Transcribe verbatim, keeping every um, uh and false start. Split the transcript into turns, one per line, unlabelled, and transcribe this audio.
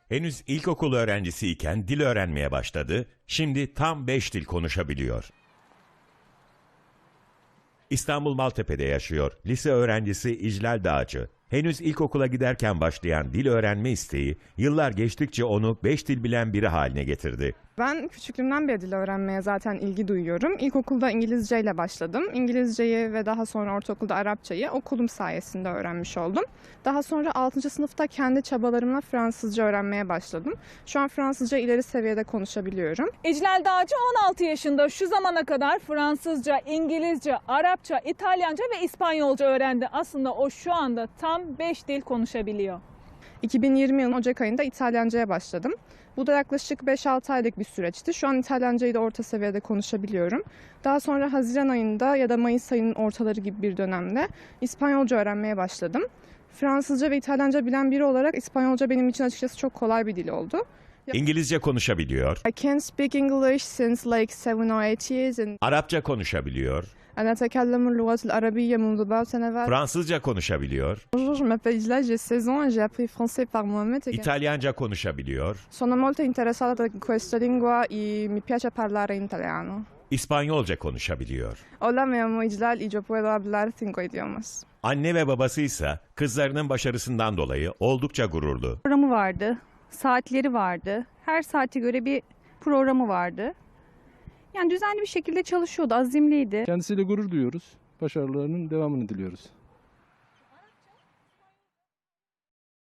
Henüz ilkokul öğrencisiyken dil öğrenmeye başladı, şimdi tam beş dil konuşabiliyor. İstanbul Maltepe'de yaşıyor. Lise öğrencisi İclal Dağcı. Henüz ilkokula giderken başlayan dil öğrenme isteği, yıllar geçtikçe onu beş dil bilen biri haline getirdi.
Ben küçüklüğümden beri dil öğrenmeye zaten ilgi duyuyorum. İlkokulda İngilizce ile başladım. İngilizceyi ve daha sonra ortaokulda Arapçayı okulum sayesinde öğrenmiş oldum. Daha sonra altıncı sınıfta kendi çabalarımla Fransızca öğrenmeye başladım. Şu an Fransızca ileri seviyede konuşabiliyorum.
İclal Dağcı on altı yaşında, şu zamana kadar Fransızca, İngilizce, Arapça, İtalyanca ve İspanyolca öğrendi. Aslında o şu anda tam beş dil konuşabiliyor.
iki bin yirmi yılının Ocak ayında İtalyanca'ya başladım. Bu da yaklaşık beş altı aylık bir süreçti. Şu an İtalyancayı da orta seviyede konuşabiliyorum. Daha sonra Haziran ayında ya da Mayıs ayının ortaları gibi bir dönemde İspanyolca öğrenmeye başladım. Fransızca ve İtalyanca bilen biri olarak İspanyolca benim için açıkçası çok kolay bir dil oldu.
İngilizce konuşabiliyor,
I can speak English since like seven or eight years and
Arapça konuşabiliyor,
أنا أتكلم اللغة العربية منذ بعض سنوات.
Fransızca konuşabiliyor,
Bonjour, je m'appelle Isla, j'ai seize ans et j'ai appris français par moi-même.
İtalyanca konuşabiliyor,
Sono molto interessata da questa lingua e mi piace parlare in italiano.
İspanyolca konuşabiliyor.
Hola, me llamo Islal y yo puedo hablar cinco idiomas.
Anne ve babası ise kızlarının başarısından dolayı oldukça gururlu.
Programı vardı, saatleri vardı, her saate göre bir programı vardı. Yani düzenli bir şekilde çalışıyordu, azimliydi.
Kendisiyle gurur duyuyoruz. Başarılarının devamını diliyoruz.